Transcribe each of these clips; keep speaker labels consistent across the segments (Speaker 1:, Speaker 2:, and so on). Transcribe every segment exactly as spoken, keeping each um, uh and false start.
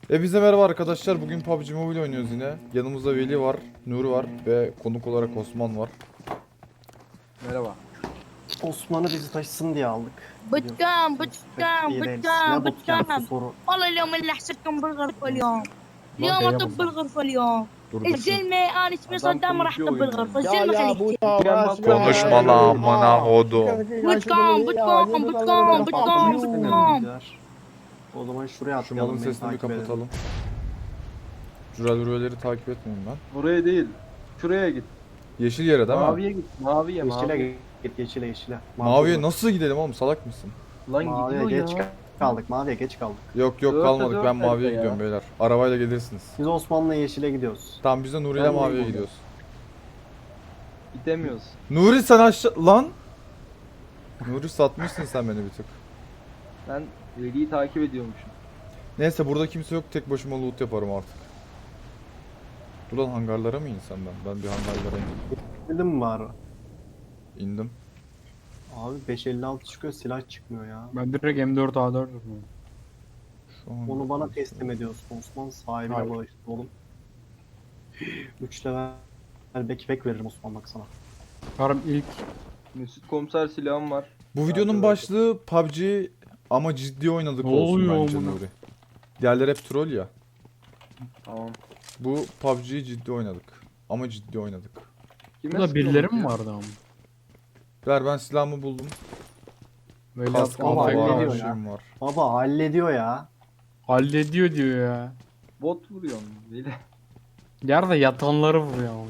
Speaker 1: E bize merhaba arkadaşlar. Bugün P U B G Mobile oynuyoruz yine. Yanımızda Veli var, Nuri var ve konuk olarak Osman var.
Speaker 2: Merhaba.
Speaker 3: Osman'ı bizi taşısın diye aldık.
Speaker 4: بتكام
Speaker 3: Biliyorsunuz, pek iyi
Speaker 4: بتكام
Speaker 3: değiliz.
Speaker 4: بتكام
Speaker 3: Ne bootcamp
Speaker 4: بتكام
Speaker 3: su soru.
Speaker 4: والله اليوم اللي حسيتكم بالغرفة اليوم
Speaker 3: Lan
Speaker 4: اليوم
Speaker 3: D'ye
Speaker 4: اطب
Speaker 3: basalım.
Speaker 4: بالغرفة اليوم
Speaker 1: Dur dur.
Speaker 4: الزلمة انا اسمي
Speaker 2: Adam
Speaker 4: صدام راح
Speaker 2: konuşuyor
Speaker 4: اطب بالغرفة
Speaker 2: oyunda.
Speaker 4: الزلمة خليه
Speaker 1: Konuşma lan amına kodum.
Speaker 4: بتكام بتكام بتكام بتكام بتكام
Speaker 3: Bizler. O zaman şuraya
Speaker 1: Şu
Speaker 3: atlayalım.
Speaker 1: malın
Speaker 3: beni
Speaker 1: sesini bir
Speaker 3: takip edin.
Speaker 1: kapatalım. Jurel Rüveleri takip etmiyorum ben.
Speaker 2: Oraya değil. Şuraya git.
Speaker 1: Yeşil yere değil mi?
Speaker 2: Maviye git. Maviye
Speaker 3: Yeşile
Speaker 2: maviye.
Speaker 3: git, yeşile yeşile.
Speaker 1: Maviye nasıl gidelim oğlum, salak mısın?
Speaker 2: Lan
Speaker 3: Maviye
Speaker 2: gidiyor
Speaker 3: geç
Speaker 2: ya.
Speaker 3: kaldık, maviye geç kaldık.
Speaker 1: Yok yok
Speaker 2: Dörtte
Speaker 1: kalmadık,
Speaker 2: dört
Speaker 1: ben maviye
Speaker 2: nerede ya?
Speaker 1: gidiyorum beyler. Arabayla gelirsiniz.
Speaker 3: Biz Osman'la yeşile gidiyoruz.
Speaker 1: Tamam biz de Nuri ile
Speaker 3: Ben de
Speaker 1: maviye
Speaker 3: burada.
Speaker 1: gidiyoruz.
Speaker 2: Gidemiyoruz.
Speaker 1: Nuri sen aşağı... Lan! Nuri satmışsın sen beni bir tık.
Speaker 2: Ben Veli'yi takip ediyormuşum.
Speaker 1: Neyse burada kimse yok, tek başıma loot yaparım artık. Dur lan, hangarlara mı insem ben? Ben bir hangarlara indim.
Speaker 3: Bildin mi bari?
Speaker 1: İndim.
Speaker 3: Abi beş elli altı çıkıyor, silah çıkmıyor ya.
Speaker 5: Ben direkt M dört A dört vurdum.
Speaker 1: Şu an...
Speaker 3: Onu bana teslim ediyorsun Osman, sahibine
Speaker 5: Hayır.
Speaker 3: bağışla oğlum. üç level backpack veririm Osman bak sana.
Speaker 5: Karım ilk
Speaker 2: Mesut komiser silahım var.
Speaker 1: Bu videonun
Speaker 2: Hadi
Speaker 1: başlığı P U B G ama ciddi oynadık
Speaker 5: Ne
Speaker 1: olsun
Speaker 5: oluyor
Speaker 1: bence
Speaker 5: amına?
Speaker 1: Nuri. Diğerleri hep troll ya.
Speaker 2: Tamam.
Speaker 1: Bu P U B G'yi ciddi oynadık. Ama ciddi oynadık.
Speaker 2: Kime
Speaker 5: burada birileri mi
Speaker 2: sıkıyormuş ya?
Speaker 5: vardı ama?
Speaker 1: Ver, ben silahımı buldum.
Speaker 5: Böyle
Speaker 1: Kaskım
Speaker 3: ama
Speaker 1: var,
Speaker 3: hallediyor
Speaker 1: her
Speaker 3: ya.
Speaker 1: şeyim var.
Speaker 3: Baba hallediyor ya.
Speaker 5: hallediyor diyor ya.
Speaker 2: Bot vuruyorsun Veli.
Speaker 5: Yerde yatanları vuruyor ama.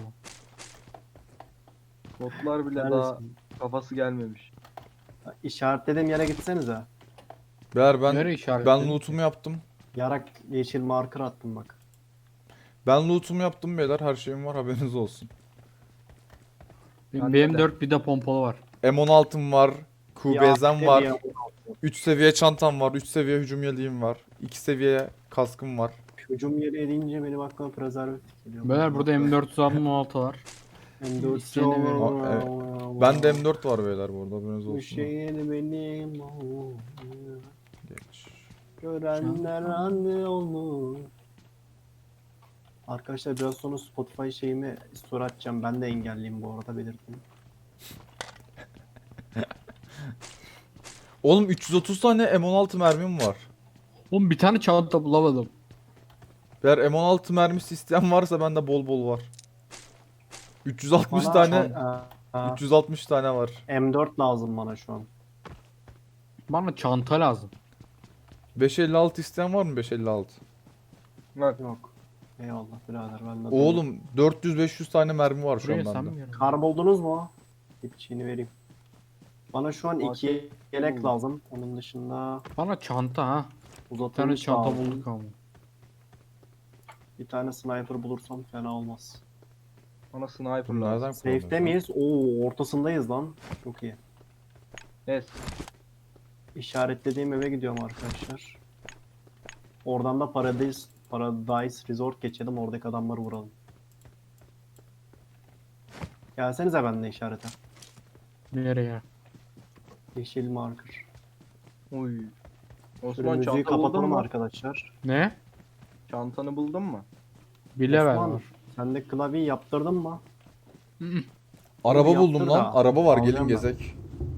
Speaker 2: Botlar bile daha
Speaker 3: Neredesin?
Speaker 2: kafası gelmemiş.
Speaker 3: İşaretlediğim yere gitsenize.
Speaker 1: Ver, ben
Speaker 5: Nereye işaretledin?
Speaker 1: ben loot'umu yaptım.
Speaker 3: Yarak yeşil marker attım bak.
Speaker 1: Ben loot'umu yaptım beyler, her şeyim var, haberiniz olsun.
Speaker 5: Benim
Speaker 2: Bende
Speaker 5: B
Speaker 2: de.
Speaker 5: M dört bir de pompalı var.
Speaker 1: M on altım var. Q B Z'm
Speaker 3: Bir
Speaker 1: var.
Speaker 3: ya-
Speaker 1: üç seviye çantam var. üç seviye hücum yeleğim var. iki seviye kaskım var.
Speaker 3: Hücum yeri edince benim aklıma prezervatif geliyor.
Speaker 5: Beyler burada M dört on altı var.
Speaker 3: M dört
Speaker 5: İsteyene verin.
Speaker 1: Aa, evet. Ben de M dört var beyler bu arada, haberiniz
Speaker 3: Bu
Speaker 1: olsun.
Speaker 3: şeyin benim oğlum.
Speaker 1: Geç.
Speaker 3: Görenler anne olur. Arkadaşlar biraz sonra Spotify şeyimi story atacağım. Ben de engelliyim bu arada, belirteyim.
Speaker 1: Oğlum üç yüz otuz tane M on altı mermim var.
Speaker 5: Oğlum bir tane çanta bulamadım.
Speaker 1: Eğer M on altı mermisi isteyen varsa bende bol bol var. üç yüz altmış
Speaker 3: Bana
Speaker 1: tane
Speaker 3: Aa, aa,
Speaker 1: üç yüz altmış tane var.
Speaker 3: M dört lazım bana şu an.
Speaker 5: Bana çanta lazım.
Speaker 1: beş elli altı isteyen var mı, beş elli altı?
Speaker 2: Bak
Speaker 3: Yok. Eyvallah birader, ben de.
Speaker 1: Oğlum dört yüz beş yüz tane mermi var şu
Speaker 5: Buraya
Speaker 1: an
Speaker 5: sen
Speaker 1: bende.
Speaker 5: mi geldin?
Speaker 3: Kar buldunuz mu? İpçiğini vereyim. Bana şu an
Speaker 2: Aa,
Speaker 3: iki
Speaker 2: şey-
Speaker 3: yelek lazım. Onun dışında
Speaker 5: Bana çanta ha. Bir tane
Speaker 3: uzatılmış
Speaker 5: çanta
Speaker 3: lazım.
Speaker 5: bulduk ama.
Speaker 3: Bir tane sniper bulursam fena olmaz.
Speaker 2: bana sniper
Speaker 1: Bunu
Speaker 2: lazım.
Speaker 1: nereden
Speaker 3: Safe'de
Speaker 1: kullanıyorsun?
Speaker 3: miyiz? Oo, ortasındayız lan. Çok iyi.
Speaker 2: Evet.
Speaker 3: İşaretlediğim eve gidiyorum arkadaşlar. Oradan da Paradise, Paradise Resort geçelim. Oradaki adamları vuralım. Gelsenize benimle işarete.
Speaker 5: Nereye?
Speaker 3: Yeşil marker.
Speaker 2: Uy.
Speaker 3: Şöyle
Speaker 2: Osman
Speaker 3: müziği
Speaker 2: çanta buldun
Speaker 3: kapatalım
Speaker 2: mu?
Speaker 3: arkadaşlar.
Speaker 5: Ne?
Speaker 2: Çantanı buldun mu?
Speaker 5: Bir level
Speaker 3: Osman,
Speaker 5: var.
Speaker 3: sen de klavyeyi yaptırdın mı?
Speaker 1: Araba
Speaker 3: Yaptır
Speaker 1: buldum
Speaker 3: da,
Speaker 1: lan. Araba var, gelin
Speaker 3: alacağım ben.
Speaker 1: gezek.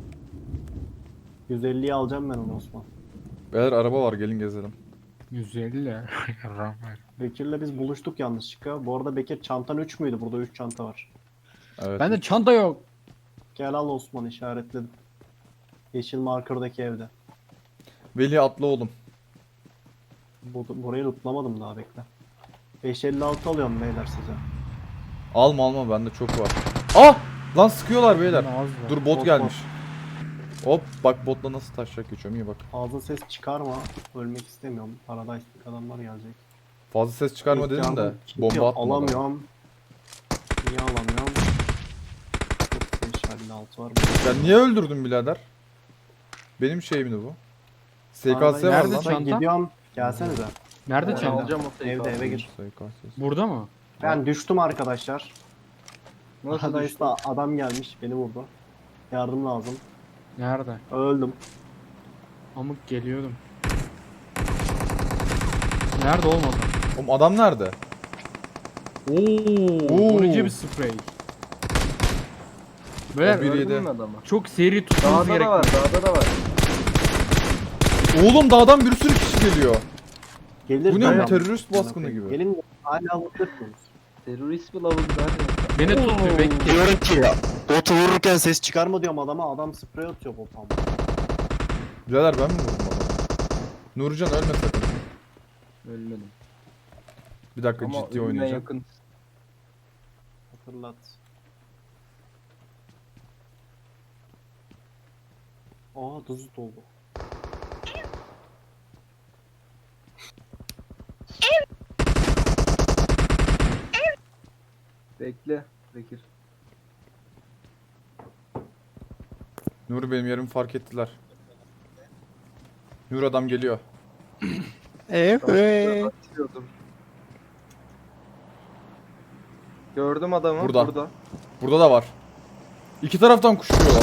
Speaker 3: yüz elliyi alacağım ben onu Osman.
Speaker 1: Beyler araba var, gelin gezelim.
Speaker 5: yüz elli. Rahmet.
Speaker 3: Bekir'le biz buluştuk yanlışlıkla. Bu arada Bekir çantan üç müydü? Burada üç çanta var.
Speaker 1: Evet.
Speaker 5: Bende çanta yok.
Speaker 3: Gel al Osman, işaretledim. Yeşil markerdaki evde.
Speaker 1: Veli atla oğlum.
Speaker 3: Bu, burayı lootlamadım daha, bekle. beş elli altı alıyorum beyler size.
Speaker 1: Alma alma, bende çok var. Ah! Lan sıkıyorlar beyler.
Speaker 5: Bende az var.
Speaker 1: Dur, bot
Speaker 3: Bot,
Speaker 1: gelmiş. Hop bak, botla nasıl taşacak geçiyorum, iyi bak.
Speaker 3: Fazla ses çıkarma. Ölmek istemiyorum. Paradise'lik adamlar gelecek.
Speaker 1: Fazla ses çıkarma
Speaker 3: İlk
Speaker 1: dedim de
Speaker 3: yardım kiti
Speaker 1: bomba atma. bana.
Speaker 3: alamıyorum. Niye alamıyorum? beş elli altı var.
Speaker 1: Sen niye öldürdün birader? Benim şeyimdi bu. S K S var
Speaker 5: Nerede
Speaker 1: lan.
Speaker 5: çanta?
Speaker 3: Gidiyorum. Gelsenize.
Speaker 5: Nerede
Speaker 2: Ben
Speaker 5: çanta?
Speaker 2: alacağım o sayıyı.
Speaker 3: Evde, eve gir.
Speaker 1: S K S.
Speaker 5: Burada mı?
Speaker 3: Ben düştüm arkadaşlar.
Speaker 2: Nasıl düştü?
Speaker 3: Paradise'da adam gelmiş, beni vurdu. Yardım lazım.
Speaker 5: Nerede?
Speaker 3: Öldüm.
Speaker 5: Amık geliyordum. Nerede olmadı?
Speaker 1: Oğlum adam nerede?
Speaker 5: Oo,
Speaker 1: Oo.
Speaker 5: vurucu bir sprey.
Speaker 1: O
Speaker 5: Böyle
Speaker 1: bir-
Speaker 2: Gördün
Speaker 1: yedi.
Speaker 2: mü adamı?
Speaker 5: çok seri tutmamız
Speaker 2: Dağda da var,
Speaker 5: gerekiyor.
Speaker 2: dağda da var.
Speaker 1: Oğlum dağdan bir sürü kişi geliyor.
Speaker 3: Gelir
Speaker 1: Bu ne
Speaker 3: dayan.
Speaker 1: bu terörist baskını gibi.
Speaker 3: Gelin hala vurursunuz.
Speaker 2: Terörist bir lavuk zaten.
Speaker 5: Beni tut bir bekle.
Speaker 3: Diyorum ki botu vururken ses çıkarma diyorum adama, adam sprey atıyor botam.
Speaker 1: Birader ben mi vurdum adamı? Nurcan ölme sakın.
Speaker 2: Ölmedim.
Speaker 1: Bir dakika
Speaker 2: Ama
Speaker 1: ciddi
Speaker 2: ölüme
Speaker 1: oynayacağım.
Speaker 2: yakın.
Speaker 3: Hatırlat. Aa tuz doldu.
Speaker 2: Bekle. Bekir.
Speaker 1: Nuri benim yerimi fark ettiler. Nur adam geliyor.
Speaker 2: Evet. Gördüm adamı.
Speaker 1: Burada.
Speaker 2: Burada.
Speaker 1: Burada da var. İki taraftan kuşuyorlar.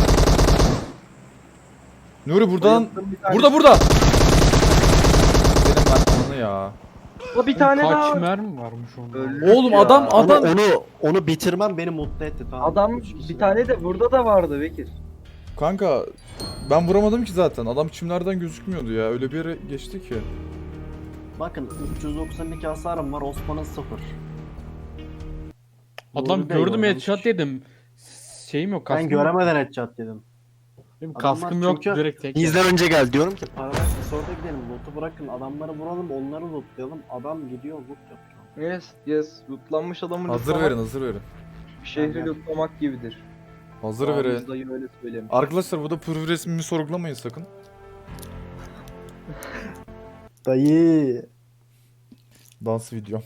Speaker 1: Nuri buradan...
Speaker 2: Bayılttım bir tane.
Speaker 1: Burada burada! Benim ben ananı ya.
Speaker 2: O bir tane
Speaker 5: Kaç
Speaker 2: daha.
Speaker 5: mermi varmış onda?
Speaker 2: Öldü.
Speaker 1: Oğlum
Speaker 2: Ya.
Speaker 1: adam
Speaker 3: Onu,
Speaker 1: adam...
Speaker 3: onu onu bitirmem beni mutlu etti, tamam.
Speaker 2: Adam
Speaker 3: Üç kişi
Speaker 2: bir
Speaker 3: var.
Speaker 2: tane de burada da vardı Bekir.
Speaker 1: Kanka ben vuramadım ki zaten. Adam çimlerden gözükmüyordu ya. Öyle bir yere geçti ki.
Speaker 3: Bakın üç yüz doksan iki hasarım var, Osman'ın sıfır.
Speaker 5: Adam
Speaker 3: Doğru değil,
Speaker 5: gördüm
Speaker 3: o
Speaker 5: headshot dedim. Şeyim yok
Speaker 3: Ben
Speaker 5: kaskım yok.
Speaker 3: göremeden headshot dedim.
Speaker 5: Benim
Speaker 3: Adamlar
Speaker 5: kaskım yok
Speaker 3: çünkü
Speaker 5: direkt tek.
Speaker 3: Bizden önce gel diyorum ki Paradise Resort'a gidelim, loot'u bırakın, adamları vuralım, onları lootlayalım. Adam gidiyor loot yapıyor.
Speaker 2: Yes, yes. Lootlanmış adamı
Speaker 1: Hazır
Speaker 2: lootlamak,
Speaker 1: verin hazır verin.
Speaker 2: şehri lootlamak gibidir.
Speaker 1: Hazır
Speaker 2: Ramiz
Speaker 1: verin.
Speaker 2: dayı öyle söylemiş.
Speaker 1: Arkadaşlar burada profil resmimi sorgulamayın sakın.
Speaker 3: Dayı.
Speaker 1: Dans video.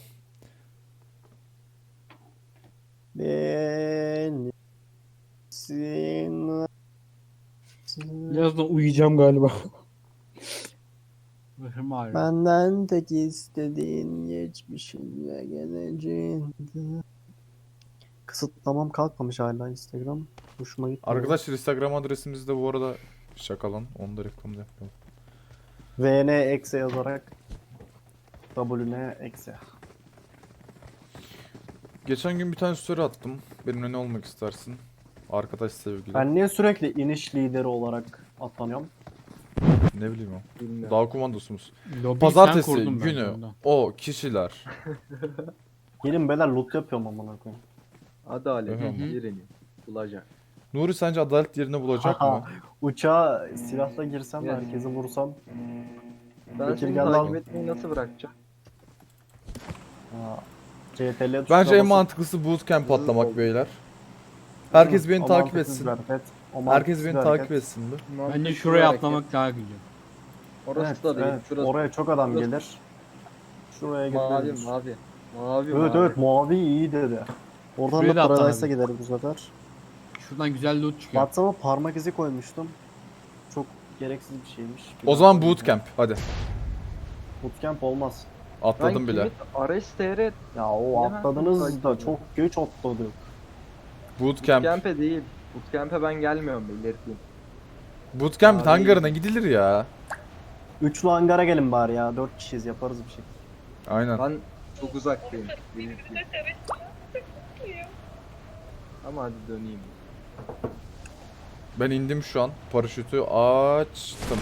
Speaker 3: Ben sin
Speaker 5: Birazdan uyuyacağım galiba. Başım ağrıyor.
Speaker 3: benden tek istediğin geçmişin ve geleceğin. Kısıtlamam kalkmamış hala Instagram. Hoşuma gitti.
Speaker 1: Arkadaşlar Instagram adresimiz de bu arada şakalan. Onu da reklamda yapalım.
Speaker 3: V N eksi yazarak W N eksi.
Speaker 1: Geçen gün bir tane story attım. Benimle ne olmak istersin? Arkadaş sevgili.
Speaker 3: Ben niye sürekli iniş lideri olarak atlanıyorum?
Speaker 1: Ne bileyim o.
Speaker 2: Bilmiyorum.
Speaker 1: Dağ komandosumuz.
Speaker 5: Lobiyi sen
Speaker 1: Pazartesi
Speaker 5: kurdun bence
Speaker 1: günü
Speaker 5: ondan.
Speaker 1: o kişiler.
Speaker 3: Gelin beyler loot yapıyorum amına koyayım.
Speaker 2: Adalet
Speaker 1: Hı hı.
Speaker 2: yerini bulacak.
Speaker 1: Nuri sence adalet yerini bulacak mı?
Speaker 3: Uçağa silahla girsem de
Speaker 2: Yani.
Speaker 3: herkesi vursam.
Speaker 2: Ben
Speaker 3: Bekir
Speaker 2: seni
Speaker 3: gel
Speaker 2: takip
Speaker 3: lan.
Speaker 2: etmeyi nasıl bırakacağım?
Speaker 3: Ha. C T L
Speaker 1: Bence en mantıklısı bootcamp patlamak beyler. Herkes beni takip etsin. Herkes beni takip etsin mi?
Speaker 5: Bence
Speaker 2: Mantıklı
Speaker 5: şuraya
Speaker 2: hareket.
Speaker 5: atlamak daha güzel.
Speaker 2: Orası
Speaker 3: Evet,
Speaker 2: da değil.
Speaker 3: evet.
Speaker 2: Şurası
Speaker 3: Oraya çok adam
Speaker 2: Şurası-
Speaker 3: gelir. Şuraya
Speaker 2: mavi
Speaker 3: gideriz.
Speaker 2: mavi. Mavi
Speaker 3: Evet
Speaker 2: mavi.
Speaker 3: evet mavi iyi dedi. Oradan
Speaker 5: Şuraya
Speaker 3: da
Speaker 5: da
Speaker 3: Paradise'a
Speaker 5: atlanabilir.
Speaker 3: gideriz bu sefer.
Speaker 5: Şuradan güzel loot çıkıyor.
Speaker 3: WhatsApp'a parmak izi koymuştum. Çok gereksiz bir şeymiş. Bir
Speaker 1: O zaman
Speaker 3: daha
Speaker 1: bootcamp hadi.
Speaker 3: Bootcamp olmaz.
Speaker 1: Atladım
Speaker 2: Ben
Speaker 1: bile.
Speaker 2: kimi- Ares T R
Speaker 3: Ya o
Speaker 2: Bilemem.
Speaker 3: atladınız da çok geç atladık.
Speaker 1: Bootcamp.
Speaker 2: Bootcamp'e değil. Bootcamp'e ben gelmiyorum belirteyim.
Speaker 1: Bootcamp
Speaker 2: Abi.
Speaker 1: hangarına gidilir ya.
Speaker 3: Üçlü hangara gelin bari ya. Dört kişiyiz, yaparız bir şey.
Speaker 1: Aynen.
Speaker 2: Ben çok uzaktayım. belirteyim. Ama hadi döneyim.
Speaker 1: Ben indim şu an. Paraşütü açtım.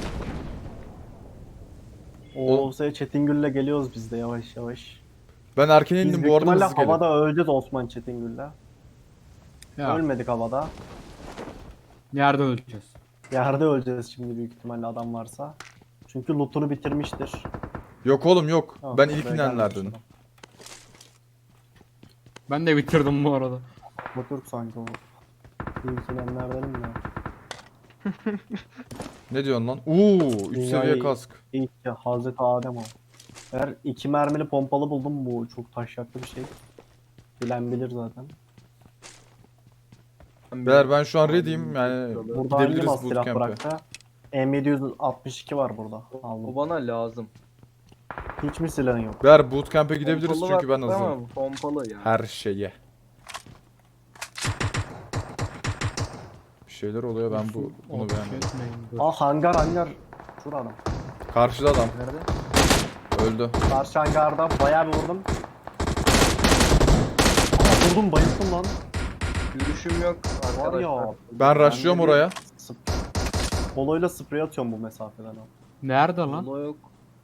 Speaker 3: O şey Çetingül'le geliyoruz biz de yavaş yavaş.
Speaker 1: Ben erken
Speaker 3: Biz
Speaker 1: indim
Speaker 3: büyük
Speaker 1: bu arada
Speaker 3: ihtimalle
Speaker 1: hızlı gelin.
Speaker 3: havada öleceğiz Osman Çetingül'le.
Speaker 5: Ya,
Speaker 3: Ölmedik havada.
Speaker 5: nerede öleceğiz?
Speaker 3: Yerde öleceğiz şimdi büyük ihtimalle adam varsa. Çünkü lootunu bitirmiştir.
Speaker 1: Yok oğlum yok.
Speaker 3: Tamam,
Speaker 1: Ben
Speaker 3: buraya
Speaker 1: ilk
Speaker 3: gelmiş
Speaker 1: inenlerdenim.
Speaker 3: adam.
Speaker 5: Ben de bitirdim bu arada.
Speaker 3: Bu Türk sanki o. İlkilenlerdenim ya.
Speaker 1: Ne diyorsun lan? Uuu üç
Speaker 3: Dünyayı-
Speaker 1: seviye kask.
Speaker 3: İlk ya Hazreti Adem o. Eğer iki mermili pompalı buldum, bu çok taşyaklı bir şey. Bilen bilir zaten.
Speaker 1: Beyler ben şu an ready'im yani
Speaker 3: Burada hangi
Speaker 1: gidebiliriz
Speaker 3: mas silah
Speaker 1: bootcamp'e.
Speaker 3: bıraktı? M yedi yüz altmış iki var burada.
Speaker 2: O
Speaker 3: Aldım.
Speaker 2: bana lazım.
Speaker 3: Hiç mi silahın yok?
Speaker 1: Beyler bootcamp'e gidebiliriz
Speaker 2: Pompalı
Speaker 1: çünkü ben
Speaker 2: var,
Speaker 1: hazırım.
Speaker 2: tamam, pompalı ya.
Speaker 1: Her şeye. Bir şeyler oluyor ben bu bunu
Speaker 5: Ateş
Speaker 1: beğenmedim.
Speaker 5: etmeyin, dur.
Speaker 3: Aa hangar hangar. Şurada adam.
Speaker 1: Karşıda adam.
Speaker 2: Nerede?
Speaker 1: Öldü.
Speaker 3: Karşı hangarda bayağı bir vurdum. Aa, vurdum bayıldım lan.
Speaker 2: Görüşüm yok
Speaker 3: Var
Speaker 2: arkadaşlar.
Speaker 3: ya.
Speaker 1: Ben rushlıyorum
Speaker 3: de bir
Speaker 1: oraya.
Speaker 3: sp- Poloyla sprey atıyorum bu mesafeden abi.
Speaker 5: Nerede lan?
Speaker 2: Yola yok.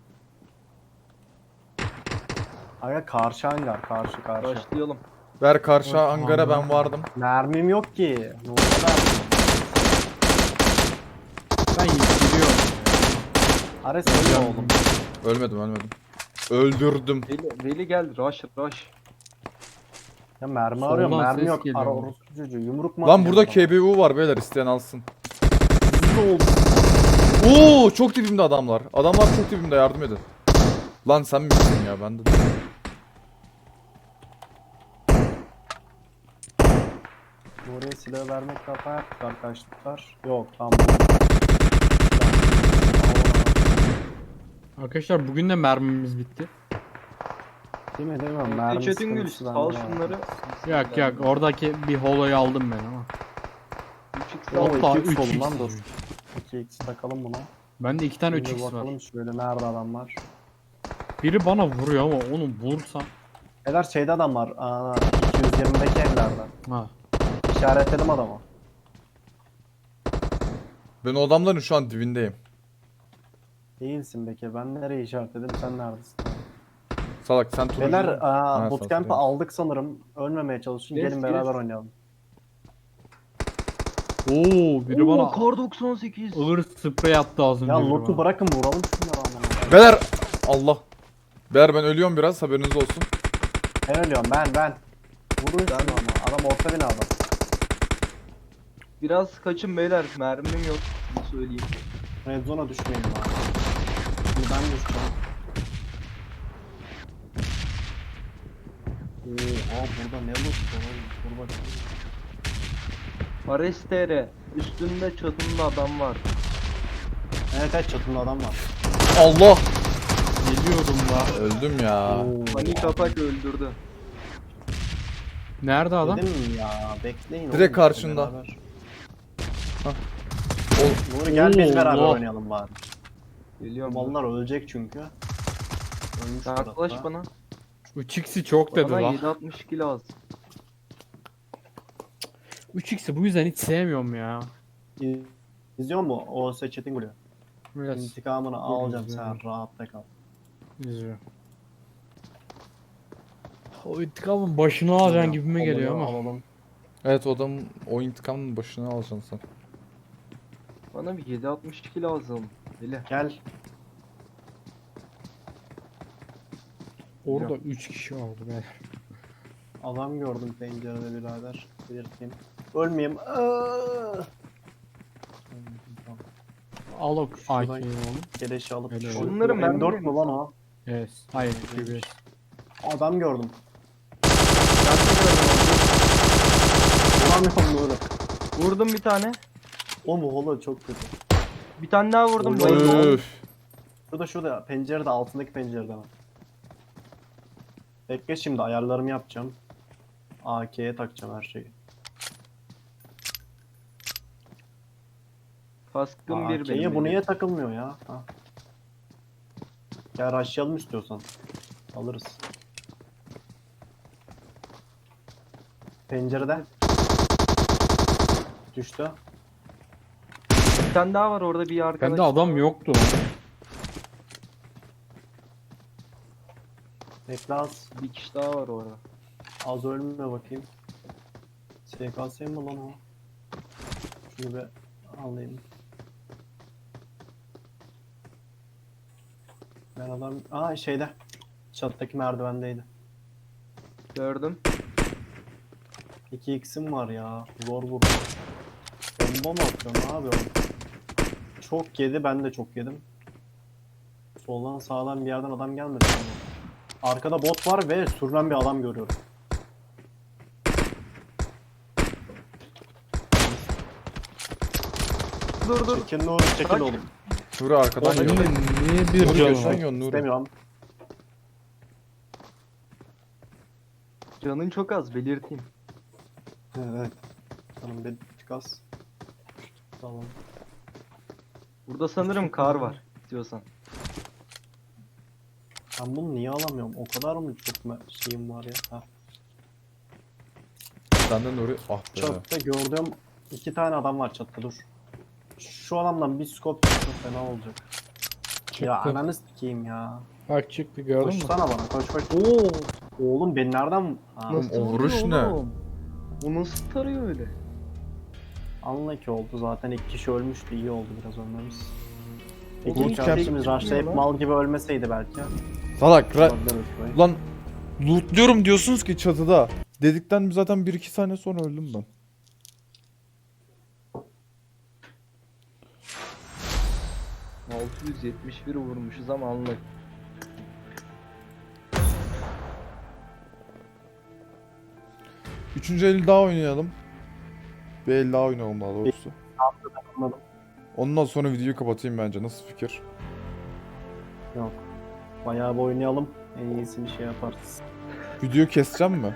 Speaker 3: Aga karşı hangar, karşı karşı.
Speaker 2: Başlayalım.
Speaker 1: Ver karşı
Speaker 5: Evet,
Speaker 1: hangara
Speaker 5: tamam.
Speaker 1: ben vardım.
Speaker 3: Mermim yok ki. Ne oldu mermim?
Speaker 5: Ben gidiyorum.
Speaker 3: Ares öyle oğlum.
Speaker 1: Ölmedim ölmedim. Öldürdüm.
Speaker 2: Veli, Veli gel. Rush rush.
Speaker 3: Ya mermi
Speaker 5: Soldan
Speaker 3: arıyorum, mermi
Speaker 5: ses
Speaker 3: yok.
Speaker 5: geliyor.
Speaker 3: Ara orospu çocuğu. Yumruk mu
Speaker 1: Lan
Speaker 3: atacağım
Speaker 1: burada
Speaker 3: bana?
Speaker 1: K B U var beyler, isteyen alsın.
Speaker 3: Hızlı oldu.
Speaker 1: Oo çok dibimde adamlar. Adamlar çok dibimde, yardım edin. Lan sen misin ya, ben de.
Speaker 3: Buraya silah vermek hata yaptık arkadaşlar. Yok tamam.
Speaker 5: Arkadaşlar bugün de mermimiz bitti.
Speaker 3: Değil mi değil mi? Mermi
Speaker 2: Çetin Gül
Speaker 3: sıkıntısı
Speaker 2: al
Speaker 3: bende var.
Speaker 2: şunları.
Speaker 5: Yok yok oradaki bir holoyu aldım ben ama.
Speaker 2: üç x
Speaker 3: O
Speaker 2: al.
Speaker 5: Hatta
Speaker 3: iki x
Speaker 5: üç
Speaker 3: oldu
Speaker 5: x.
Speaker 3: lan, dur. iki x takalım buna.
Speaker 5: Bende iki tane üç
Speaker 3: Şimdi
Speaker 5: x var.
Speaker 3: bakalım şöyle nerede adam var.
Speaker 5: Biri bana vuruyor ama onu vursam.
Speaker 3: Eder şeyde adam var. Aa, iki yüz yirmideki evlerde.
Speaker 5: Ha.
Speaker 3: İşaretledim adamı.
Speaker 1: Ben o adamların şu an dibindeyim.
Speaker 3: Değilsin Bekir. Ben nereye işaretledim, sen neredesin?
Speaker 1: Salak sen turuncu.
Speaker 3: Beyler
Speaker 1: Ha,
Speaker 3: aa, bootcamp'ı
Speaker 1: sağ ol.
Speaker 3: aldık sanırım. Ölmemeye çalışın.
Speaker 2: Yes,
Speaker 3: Gelin beraber
Speaker 2: yes.
Speaker 3: oynayalım.
Speaker 5: Oo biri bana
Speaker 2: kar doksan sekiz.
Speaker 5: ağır sprey attı az önce.
Speaker 3: Ya
Speaker 5: biri
Speaker 3: loot'u
Speaker 5: bana.
Speaker 3: bırakın, vuralım şunları amına.
Speaker 1: Beyler Allah. Beyler ben ölüyorum biraz, haberiniz olsun.
Speaker 3: Ben ölüyorum ben ben. Vurun şunu ama. Adam orta binada.
Speaker 2: Biraz kaçın beyler. Mermim yok. Bunu söyleyeyim.
Speaker 3: Red zone'a düşmeyin abi. Şimdi ben düşeceğim. Oo, aa burada ne loot var oğlum? Dur bakalım.
Speaker 2: Arestere. Üstünde çatında adam var.
Speaker 3: Evet evet, çatında adam var.
Speaker 1: Allah.
Speaker 5: Geliyordum da.
Speaker 1: Öldüm ya.
Speaker 3: Oo,
Speaker 2: Panik atak öldürdü.
Speaker 5: Nerede adam?
Speaker 3: Dedim ya, bekleyin.
Speaker 1: Direkt
Speaker 3: oğlum,
Speaker 1: karşında.
Speaker 3: beraber.
Speaker 1: Ol-
Speaker 3: Nuri gel biz
Speaker 5: Oo,
Speaker 3: beraber
Speaker 5: Allah.
Speaker 3: oynayalım bari.
Speaker 2: Geliyorum.
Speaker 3: Mallar ölecek çünkü. Ölmüş
Speaker 2: Yaklaş
Speaker 3: tarafta.
Speaker 2: bana.
Speaker 5: üç x'i çok dedi
Speaker 2: Bana
Speaker 5: lan.
Speaker 2: yedi altmış iki lazım.
Speaker 5: üç x'i bu yüzden hiç sevmiyorum ya.
Speaker 3: İz- İzliyor mu? O seçetin gülüyor.
Speaker 5: Biraz
Speaker 3: İntikamını alacağım,
Speaker 5: izliyorum.
Speaker 3: sen rahatta kal.
Speaker 5: izliyor. O intikamın başını alacaksın gibime
Speaker 3: Alalım,
Speaker 5: geliyor ama.
Speaker 3: alalım.
Speaker 1: Evet, o adamın o intikamın başına alacaksın sen.
Speaker 2: Bana bir yedi altmış iki lazım. Veli.
Speaker 3: Gel.
Speaker 5: Orada üç kişi vardı be.
Speaker 3: Adam gördüm pencerede birader. Belirteyim. Ölmeyeyim. Aa!
Speaker 5: Al o
Speaker 3: Şuradan-
Speaker 5: A K'yi oğlum.
Speaker 3: Keleşi alıp.
Speaker 5: Öyle
Speaker 3: Şunları
Speaker 2: Bunları
Speaker 3: M
Speaker 2: ben
Speaker 3: dört
Speaker 2: mi
Speaker 3: mü lan o?
Speaker 5: Yes. Hayır. Q bir.
Speaker 3: Adam gördüm.
Speaker 2: Ben de gördüm
Speaker 3: Vuramıyorum Nuri.
Speaker 2: onu. Vurdum bir tane.
Speaker 3: O mu holo çok kötü.
Speaker 2: Bir tane daha vurdum.
Speaker 3: Oy,
Speaker 2: Bayıldı.
Speaker 1: Öf.
Speaker 3: Şurada şurada pencerede, altındaki pencerede var. Bekle, şimdi ayarlarımı yapacağım. A K'ye takacağım her şeyi.
Speaker 2: Kaskım bir
Speaker 3: A K'ye
Speaker 2: benim.
Speaker 3: bu
Speaker 2: Veli.
Speaker 3: niye takılmıyor ya? Ha. Gel rushlayalım istiyorsan. Alırız. Pencerede. Düştü.
Speaker 2: Bir tane daha var orada bir arkadaş.
Speaker 5: Bende adam yoktu lan.
Speaker 3: Bekle az.
Speaker 2: Bir kişi daha var orada.
Speaker 3: Az ölme bakayım. S K S mi lan o? Şunu bir alayım. Ben adam... Aa şeyde. Çattaki merdivendeydi.
Speaker 2: Gördüm.
Speaker 3: iki x'im var ya. Zor vurdu. Bomba mı atıyorum abi oğlum? Çok yedi, ben de çok yedim. Soldan sağdan bir yerden adam gelmedi. Ama. Arkada bot var ve sürünen bir adam görüyorum.
Speaker 2: Dur dur.
Speaker 3: Çekin Nuri, çekil
Speaker 2: Kaç?
Speaker 3: oğlum.
Speaker 1: Nuri arkadan
Speaker 5: Benim
Speaker 1: yiyor.
Speaker 5: de niye bir
Speaker 1: Nuri
Speaker 5: canım
Speaker 1: göçten
Speaker 5: var?
Speaker 1: yiyor Nuri.
Speaker 3: İstemiyorum.
Speaker 2: Canın çok az belirteyim.
Speaker 3: Evet. Canım bir tık az. Tamam.
Speaker 2: Burada sanırım kar var. İstiyorsan.
Speaker 3: Ben bunu niye alamıyorum? O kadar mı çok me- şeyim var ya? Ha.
Speaker 1: Senden oraya ah be.
Speaker 3: Çatıda gördüğüm iki tane adam var çatıda, dur. Şu adamdan bir scope çıksın fena olacak. Ya
Speaker 5: Çıktı.
Speaker 3: ananı sikeyim ya.
Speaker 5: Bak çıktı gördün mü?
Speaker 3: Koşsana bana, koş koş.
Speaker 2: Oo.
Speaker 3: Oğlum beni nereden... Ha,
Speaker 2: Nasıl
Speaker 1: o vuruş
Speaker 2: vuruyor
Speaker 1: ne?
Speaker 2: oğlum? O nasıl tarıyor öyle?
Speaker 3: anla ki oldu zaten, iki kişi ölmüştü, iyi oldu biraz ölmemiz. İki
Speaker 1: Bootcamp-
Speaker 3: kişi kardeşimiz
Speaker 2: Çıkmıyor
Speaker 3: rushlayıp
Speaker 2: lan.
Speaker 3: mal gibi ölmeseydi belki.
Speaker 1: Salak ra-
Speaker 3: Olabilir şurayı.
Speaker 1: Ulan lootluyorum diyorsunuz ki çatıda. Dedikten zaten bir iki saniye sonra öldüm ben.
Speaker 2: altı yüz yetmiş bir vurmuşuz ama anlık.
Speaker 1: Üçüncü el daha oynayalım. Bir el daha oynayalım daha doğrusu.
Speaker 3: Anladım.
Speaker 1: Ondan sonra videoyu kapatayım bence. Nasıl fikir?
Speaker 3: Yok. Bayağı bir oynayalım. En iyisini şey yaparız.
Speaker 1: Video keseceğim mi?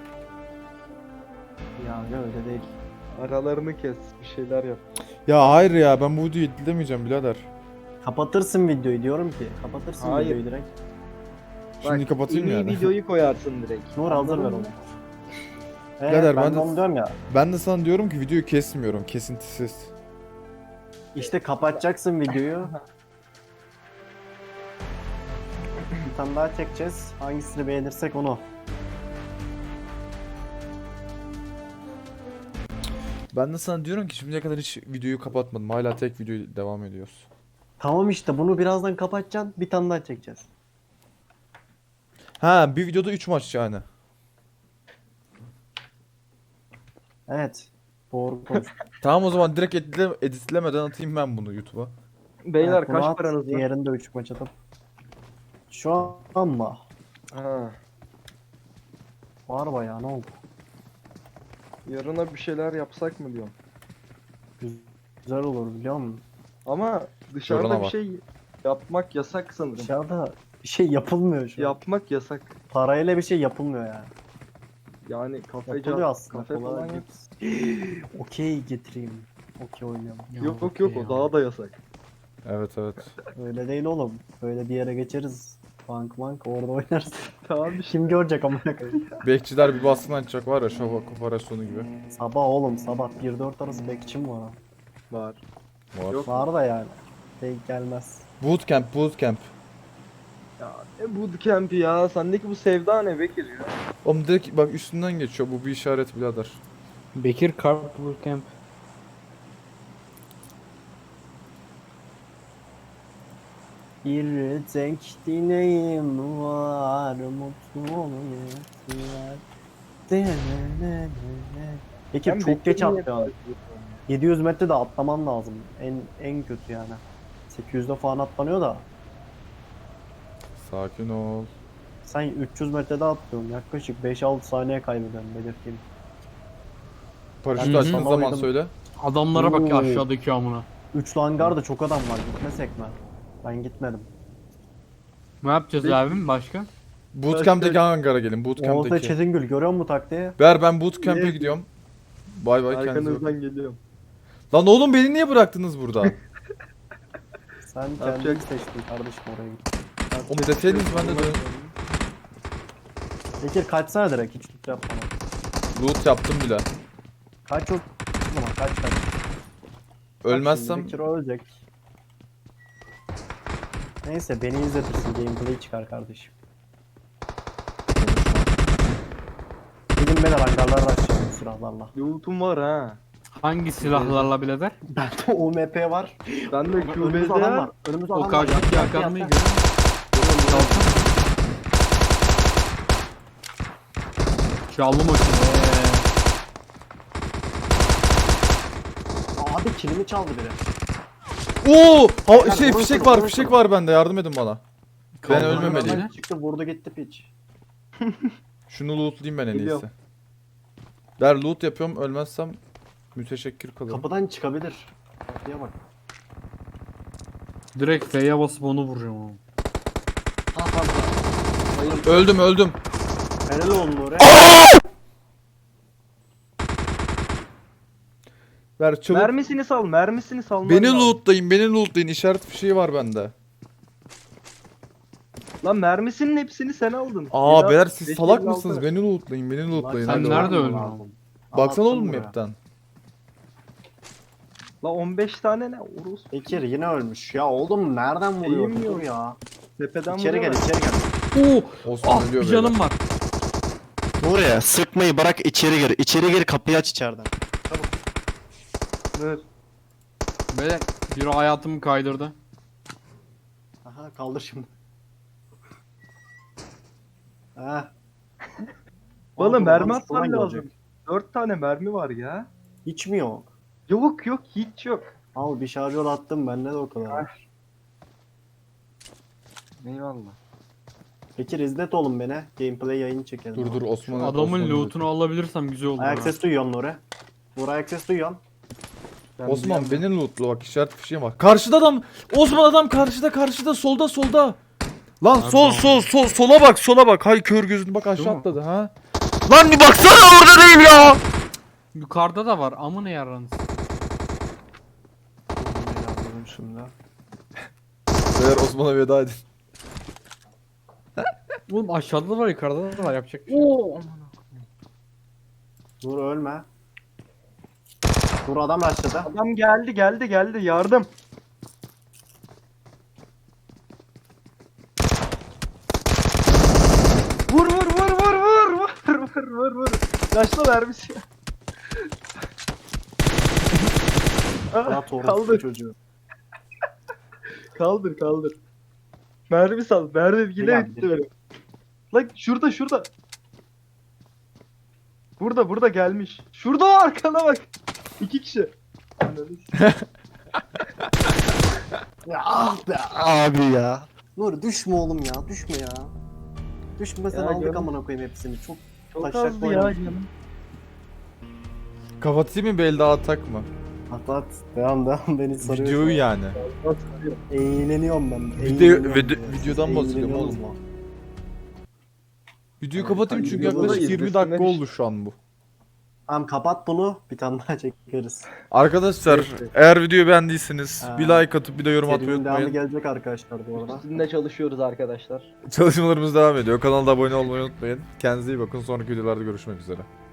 Speaker 3: Ya öyle değil.
Speaker 2: Aralarını kes, bir şeyler yap.
Speaker 1: Ya hayır ya, ben bu videoyu editlemeyeceğim birader.
Speaker 3: Kapatırsın videoyu diyorum ki. Kapatırsın
Speaker 2: Hayır.
Speaker 3: videoyu direkt.
Speaker 1: Şimdi
Speaker 2: Bak,
Speaker 1: kapatayım
Speaker 2: en iyi
Speaker 1: yani.
Speaker 2: videoyu koyarsın direkt.
Speaker 3: Nur hazır ver
Speaker 2: Anladın
Speaker 3: onu.
Speaker 2: mı?
Speaker 3: Evet,
Speaker 1: Birader,
Speaker 3: ben,
Speaker 1: ben
Speaker 3: de
Speaker 1: de-
Speaker 3: onu diyorum ya.
Speaker 1: Ben de sana diyorum ki videoyu kesmiyorum. Kesintisiz.
Speaker 3: İşte kapatacaksın videoyu. Bir tane daha çekeceğiz. Hangisini beğenirsek onu.
Speaker 1: Ben de sana diyorum ki şimdiye kadar hiç videoyu kapatmadım. Hala tek video devam ediyoruz.
Speaker 3: Tamam işte, bunu birazdan kapatacaksın. Bir tane daha çekeceğiz.
Speaker 1: Ha, bir videoda üç maç yani.
Speaker 3: Evet. Doğru konuş.
Speaker 1: Tamam, o zaman direkt editle editlemeden atayım ben bunu YouTube'a.
Speaker 2: Beyler
Speaker 3: Evet, bunu
Speaker 2: kaç
Speaker 3: at,
Speaker 2: paranız var?
Speaker 3: Diğerinde üç maç atıp. Şu an mı?
Speaker 2: Ha,
Speaker 3: Var bayağı, ne oldu?
Speaker 2: yarına bir şeyler yapsak mı diyorum.
Speaker 3: Güzel olur biliyor musun?
Speaker 2: Ama dışarıda
Speaker 1: Yarına
Speaker 2: bir
Speaker 1: bak.
Speaker 2: şey yapmak yasak sanırım.
Speaker 3: Dışarıda bir şey yapılmıyor şu an.
Speaker 2: Yapmak yasak.
Speaker 3: Parayla bir şey yapılmıyor yani.
Speaker 2: Yani kafece
Speaker 3: Yapılıyor aslında.
Speaker 2: kafe
Speaker 3: kolay
Speaker 2: falan
Speaker 3: değil.
Speaker 2: yap.
Speaker 3: Okey getireyim. Okey oynayalım.
Speaker 2: Yok yok yok o daha da yasak.
Speaker 1: Evet evet.
Speaker 3: Öyle değil oğlum. Böyle bir yere geçeriz. Bank bank orada oynarız.
Speaker 2: Tamam işte.
Speaker 3: Kim görecek amına koyayım?
Speaker 1: Bekçiler bir baskın açacak var ya, şafak operasyonu gibi.
Speaker 3: Sabah oğlum, sabah bir dört arası bekçim var. ha.
Speaker 2: Var.
Speaker 1: Var.
Speaker 2: Yok.
Speaker 3: Var da yani. Denk gelmez.
Speaker 1: Bootcamp, bootcamp.
Speaker 2: Ya ne bootcamp ya? Sendeki bu sevda ne Bekir ya?
Speaker 1: Oğlum direkt bak üstünden geçiyor. Bu bir işaret birader.
Speaker 5: Bekir Carp Bootcamp.
Speaker 3: Bir tek dileğim var, mutlu olmayasılar. Peki
Speaker 2: Ben
Speaker 3: çok
Speaker 2: Bekir'in
Speaker 3: geç
Speaker 2: niye
Speaker 3: atlıyor. yedi yüz metre de atlaman lazım. En en kötü yani. sekiz yüzde falan atlanıyor da.
Speaker 1: Sakin ol.
Speaker 3: Sen üç yüz metrede atlıyorsun. Yaklaşık beş altı saniye kaybediyorsun, belirteyim.
Speaker 1: Paraşütü
Speaker 5: Hı hı.
Speaker 1: açtığın zaman
Speaker 3: Sanmalıydım.
Speaker 1: söyle.
Speaker 5: Adamlara bak ya
Speaker 3: Oo.
Speaker 5: aşağıdaki amına.
Speaker 3: Üçlü hangarda çok adam var. Gitmesek mi? Ben gitmedim.
Speaker 5: Ne yapacağız
Speaker 2: Peki.
Speaker 5: abim başka?
Speaker 1: Bootcamp'teki hangara gelin.
Speaker 3: Oğuz'da
Speaker 1: Bootcamp'teki.
Speaker 3: Çetingül görüyor musun taktiği?
Speaker 1: Ver, ben bootcamp'e
Speaker 2: Niye?
Speaker 1: gidiyorum. Bay bay, kendinize bakın.
Speaker 2: Arkanızdan geliyorum.
Speaker 1: Lan oğlum, beni niye bıraktınız burada?
Speaker 3: Sen kendin
Speaker 2: Yapacak-
Speaker 3: seçtin kardeşim oraya git.
Speaker 1: Oğlum deseydiniz ben de dön.
Speaker 3: Bekir kaçsana direkt, hiç tut yapma.
Speaker 1: Loot yaptım bile.
Speaker 3: Kaç yok. Tamam kaç kaç. Bak
Speaker 1: Ölmezsem
Speaker 3: şimdi Bekir ölecek. Neyse beni izletirsin, gameplay çıkar kardeşim. Gidin beyler hangarlara açacağım bu silahlarla.
Speaker 2: Loot'um var ha.
Speaker 5: Hangi silahlarla birader?
Speaker 3: Bende O M P var.
Speaker 2: Ben de
Speaker 3: Önümüzde
Speaker 2: Q B'de
Speaker 3: adam
Speaker 2: var.
Speaker 3: var. Önümüzde
Speaker 5: O
Speaker 3: adam var.
Speaker 5: karşıdaki
Speaker 3: Yat, yat,
Speaker 5: yakanmayı
Speaker 3: yat,
Speaker 5: görüyor
Speaker 3: yat.
Speaker 5: musun? Çaldı makine.
Speaker 3: Abi kilimi çaldı biri.
Speaker 1: Oo! Ha,
Speaker 3: Beyler,
Speaker 1: şey
Speaker 3: vurun
Speaker 1: fişek
Speaker 3: şunu,
Speaker 1: var,
Speaker 3: vurun
Speaker 1: fişek
Speaker 3: şunu.
Speaker 1: var bende. Yardım edin bana. Ben
Speaker 5: Kaldı.
Speaker 1: ölmemeliyim.
Speaker 3: Hemen çıktı vurdu gitti piç.
Speaker 1: Şunu lootlayayım ben en iyisi.
Speaker 2: Geliyorum.
Speaker 1: Der loot yapıyorum, ölmezsem müteşekkir kalırım.
Speaker 3: Kapıdan çıkabilir. Kapıya bak.
Speaker 5: Direkt F'ye basıp onu vuracağım ama.
Speaker 3: Ha ha ha.
Speaker 1: Öldüm öldüm.
Speaker 3: Helal olsun oraya.
Speaker 1: Ver çabuk.
Speaker 2: Mermisini sal, mermisini sal.
Speaker 1: Beni lootlayın, beni lootlayın. İşaret fişeği var bende.
Speaker 2: Lan mermisinin hepsini sen aldın.
Speaker 1: Aa
Speaker 2: Ya,
Speaker 1: beyler siz
Speaker 2: beş
Speaker 1: salak
Speaker 2: elli
Speaker 1: mısınız?
Speaker 2: altı.
Speaker 1: Beni lootlayın, beni lootlayın.
Speaker 5: Sen
Speaker 1: hadi
Speaker 5: nerede
Speaker 1: oğlum.
Speaker 5: öldün?
Speaker 3: Lazım.
Speaker 1: Baksana
Speaker 3: Anlattım
Speaker 1: oğlum
Speaker 3: buraya.
Speaker 1: map'ten.
Speaker 2: La on beş tane ne? Urus.
Speaker 3: Bekir yine ölmüş. Ya oğlum nereden vuruyor?
Speaker 2: Eğim yok.
Speaker 3: Dur ya.
Speaker 2: Tepeden
Speaker 3: İçeri gel,
Speaker 2: vuruyorlar.
Speaker 3: içeri gel.
Speaker 5: Oo.
Speaker 1: Osman
Speaker 5: Ah
Speaker 1: ölüyor
Speaker 5: bir
Speaker 1: beyler.
Speaker 5: canım var.
Speaker 6: Buraya sıkmayı bırak, içeri gir. İçeri gir, kapıyı aç içeriden.
Speaker 2: Dur.
Speaker 5: Böyle biri hayatımı kaydırdı.
Speaker 3: Aha kaldır şimdi. Ha.
Speaker 2: Bana
Speaker 3: Abi,
Speaker 2: mermi
Speaker 3: bana
Speaker 2: atman
Speaker 3: şuradan
Speaker 2: lazım.
Speaker 3: gelecek.
Speaker 2: Dört tane mermi var ya.
Speaker 3: Hiç mi yok?
Speaker 2: Yok yok hiç yok.
Speaker 3: Al bir şarjör attım bende de o kadar.
Speaker 2: Eyvallah.
Speaker 3: Bekir izlet oğlum beni. Gameplay yayını çekelim.
Speaker 1: Dur dur Osman.
Speaker 5: Adamın
Speaker 1: Osman'ı
Speaker 5: lootunu alabilirsem güzel olur.
Speaker 3: Ayak
Speaker 5: ha.
Speaker 3: ses duyuyorum Nuri. Nuri ayak ses duyuyorum.
Speaker 2: Ben
Speaker 1: Osman
Speaker 2: biliyorum.
Speaker 1: beni lootla bak, işaret fişeğim var. Karşıda adam. Osman adam karşıda karşıda solda solda. Lan
Speaker 5: Nerede
Speaker 1: sol
Speaker 5: o?
Speaker 1: sol sol sola bak sola bak. Hay kör gözünü bak aşağı
Speaker 5: Değil mi?
Speaker 1: atladı ha. Lan bir baksana orada değil ya.
Speaker 5: Yukarıda da var. Amına yaranız.
Speaker 3: Yardım şimdi.
Speaker 1: Beyler Osman'a veda edin.
Speaker 5: Oğlum aşağıda da var yukarıda da var yapacak bir şey. yok.
Speaker 2: Oo aman.
Speaker 3: Dur ölme. Dur adam başladı.
Speaker 2: Adam geldi geldi geldi yardım. Vur vur vur vur vur vur vur vur vur. Yaşlı vermiş ya. Ah,
Speaker 3: Rahat orası
Speaker 2: kaldır
Speaker 3: çocuğu.
Speaker 2: kaldır kaldır. Mermi sal. Mermi yine
Speaker 3: Gel,
Speaker 2: bitti
Speaker 3: gel.
Speaker 2: benim. Lan şurada şurada. Burada burada gelmiş. Şurada o arkana bak. İki kişi. Ananı s-
Speaker 3: Ya ah be abi ya. Nuri düşme oğlum ya düşme ya. Düşmesen
Speaker 2: Ya
Speaker 3: aldık
Speaker 2: canım.
Speaker 3: amına koyayım hepsini. Çok
Speaker 2: Çok
Speaker 3: taşak
Speaker 2: azdı ya
Speaker 3: oynamış.
Speaker 2: canım.
Speaker 1: Kapatayım mı bir el daha atak mı?
Speaker 3: At at. Devam devam beni sarıyor.
Speaker 1: Videoyu yani.
Speaker 3: Eğleniyorum ben.
Speaker 1: Video-
Speaker 3: eğleniyorum
Speaker 1: video-
Speaker 3: ya.
Speaker 1: videodan
Speaker 3: Siz
Speaker 1: bahsediyorum
Speaker 3: eğleniyorsunuz
Speaker 1: oğlum.
Speaker 3: mu?
Speaker 1: Videoyu kapatayım çünkü
Speaker 2: videoda da
Speaker 1: yaklaşık yirmi
Speaker 2: izlesinler
Speaker 1: dakika
Speaker 2: işte.
Speaker 1: oldu şu an bu.
Speaker 3: Tamam kapat bunu. Bir tane daha çekeriz.
Speaker 1: Arkadaşlar
Speaker 2: Evet.
Speaker 1: eğer videoyu beğendiyseniz
Speaker 3: Ha.
Speaker 1: bir like atıp bir de yorum atmayı
Speaker 3: Serinin devamı
Speaker 1: unutmayın.
Speaker 3: gelecek arkadaşlar bu arada.
Speaker 2: Üstünde çalışıyoruz arkadaşlar.
Speaker 1: Çalışmalarımız devam ediyor. Kanalda abone olmayı unutmayın. Kendinize iyi bakın. Sonraki videolarda görüşmek üzere.